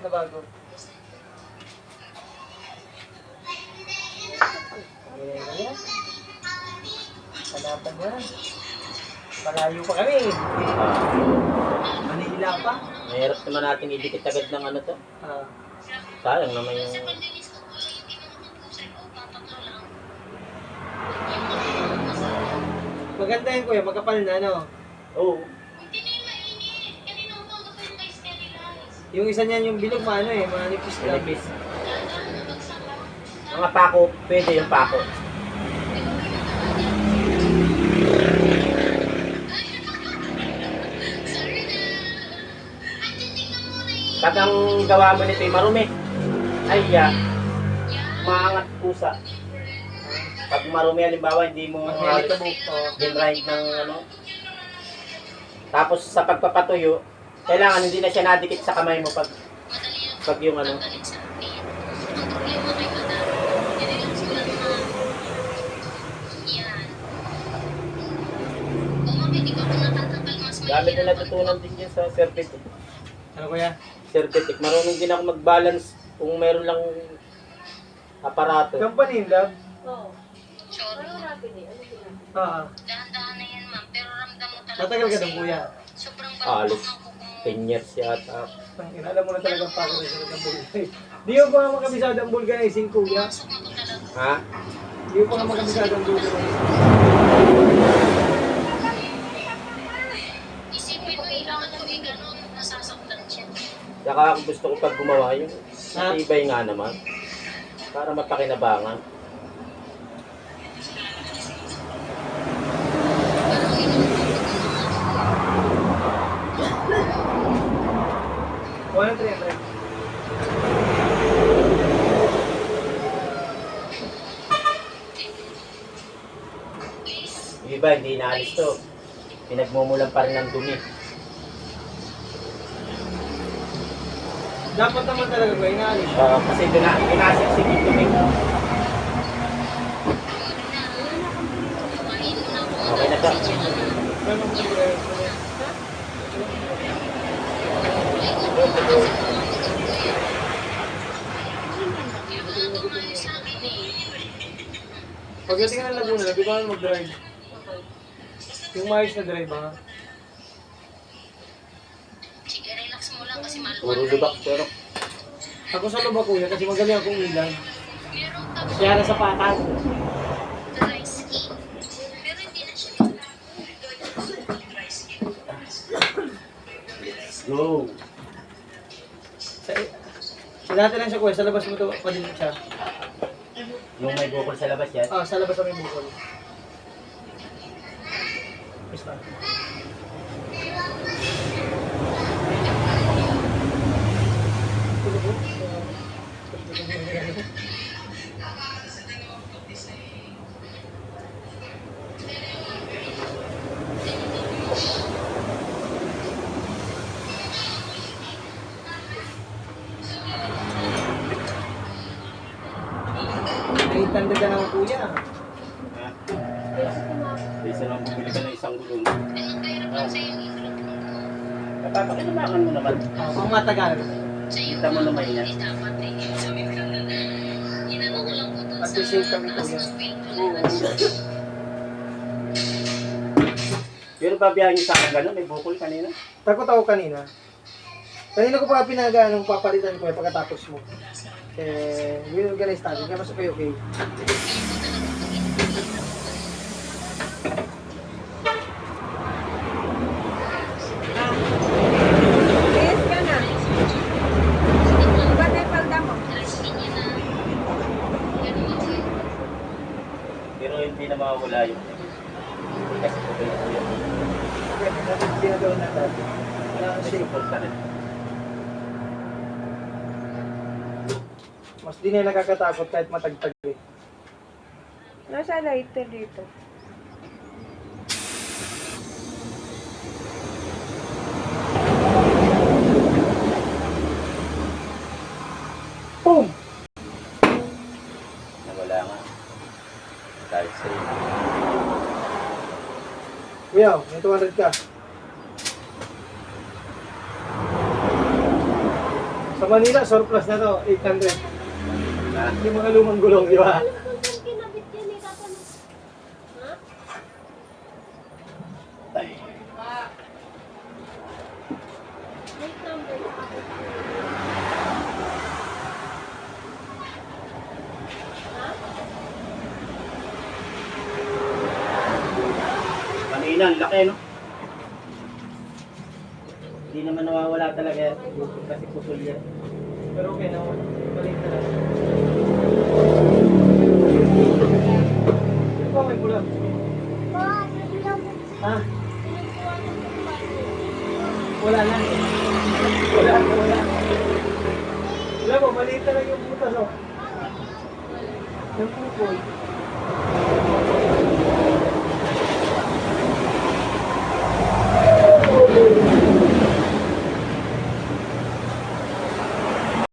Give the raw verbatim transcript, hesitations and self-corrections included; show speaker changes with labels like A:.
A: na bago. Eh, ganyan. Hanapan niya. Malayo pa kami.
B: Ah,
A: Manila pa.
B: mahirap naman natin idikit agad ng ano to.
A: Ah.
B: Sayang naman yung...
A: Maganda yun kuya, magkapal na no?
B: Oo.
A: Yung isa niyan yung bilog maano eh, manipis lang.
B: Pinipis. Mga pako, pwede yung pako. Pag ang gawa mo nito ay marumi, ay ya, maangat pusa. Pag marumi, halimbawa, hindi mo
A: Mahilig ka buko.
B: dinride ng ano. Tapos sa pagpapatuyo, kailangan hindi na siya nadikit sa kamay mo pag pag yung ano. Gamit na natutunan din dyan sa Cervetic.
A: Ano kuya?
B: Cervetic. Marunong din ako mag-balance kung meron lang aparato.
A: Company in love?
C: Oo. Ano rapid eh? Ano sila?
A: Oo.
D: Dahan-dahan na yan, ma'am. Pero ramdam mo talaga.
A: Matagal ka doon kuya.
D: Sobrang
B: Ah,
D: balot
B: alos.
D: ng kuko mo.
B: ten years yata.
A: Tangina, alam mo na talagang pagod na sila ng bulgay. Di mo pa nga makabisado ang vulcanizing kuya.
D: Pumasok mo ko talaga.
B: Ha?
A: Di mo pa nga makabisado ang vulcanizing.
D: Isipin mo ilang ano eh, ganun, nasasaktan siya.
B: Saka ako gusto ko pag gumawa yung matibay nga naman. Para mapakinabangan.
A: one three hundred.
B: Yung iba, hindi inaalis to. Pinagmumulan pa rin ng dumi.
A: Dapat naman talaga kuya, inaalis.
B: Uh, kasi doon na, pinasiksik yung dumi. Okay na to.
A: Ano mo kuya? Pagdating ka ng Laguna, labi ko na mag-drive. Yung maayos na drive ha.
D: Sige, relax mo lang kasi maluwag.
B: Puro lubak pero.
A: Ako sa lubak kuya kasi magaling akong ilan.
D: Merong tapos
A: Kaya nasa patag.
D: dry skin. Pero hindi na siya.
B: Go!
A: Sa, sa dati lang siya kuya, sa labas mo to pa din siya.
B: Yung may bukol sa labas yan.
A: Ah, sa labas kami bukol. Yes, ma'am. Ay, tanda ka naman kuya.
B: Ha? Isa lang bumili ka ng isang gulong.
D: Ganun kahirap lang sa'yo yung ilog mo.
B: Napapakinabangan mo naman.
A: Ah, pang matagal.
D: Sa'yo
B: Kita mo naman yan.
D: hindi dapat eh. Inano ko lang po doon
A: At
D: sa
A: the same time,
D: taas
A: kuya.
D: ng speed ko
A: Oo.
D: lang.
B: Pero babiyahin niyo sa akin gano'n, may bukol kanina.
A: Takot ako kanina. Kanina ko pa pinaga nung papalitan ko eh pagkatapos mo. Eh, we-organize natin. Kaya mas okay, okay.
C: Yes ka na. Ba't may palda mo?
B: Pero hindi na makakula yun. Kasi po yun.
A: Pwede natin ginagawa na natin. Wala ang
B: May
A: shape.
B: support ka rin.
A: Mas di na nakakatakot kahit matagtag eh.
C: Nasa lighter dito.
A: Boom!
B: Nawala nga. Dahil sa iyo.
A: Kuya, may two hundred ka. Sa Sa Manila, surplus na to, eight hundred.
B: Ah,
A: Yung mga lumang gulong, di ba?
B: ay. Kanina, ang laki, no? Hindi naman nawawala talaga kasi pusol yan.
A: Pero okay na, balik na lang. Ito, may kulang. Ha? Wala na. Wala na, wala. Wala mo, maliit na lang yung butas, oh. Yung pupol.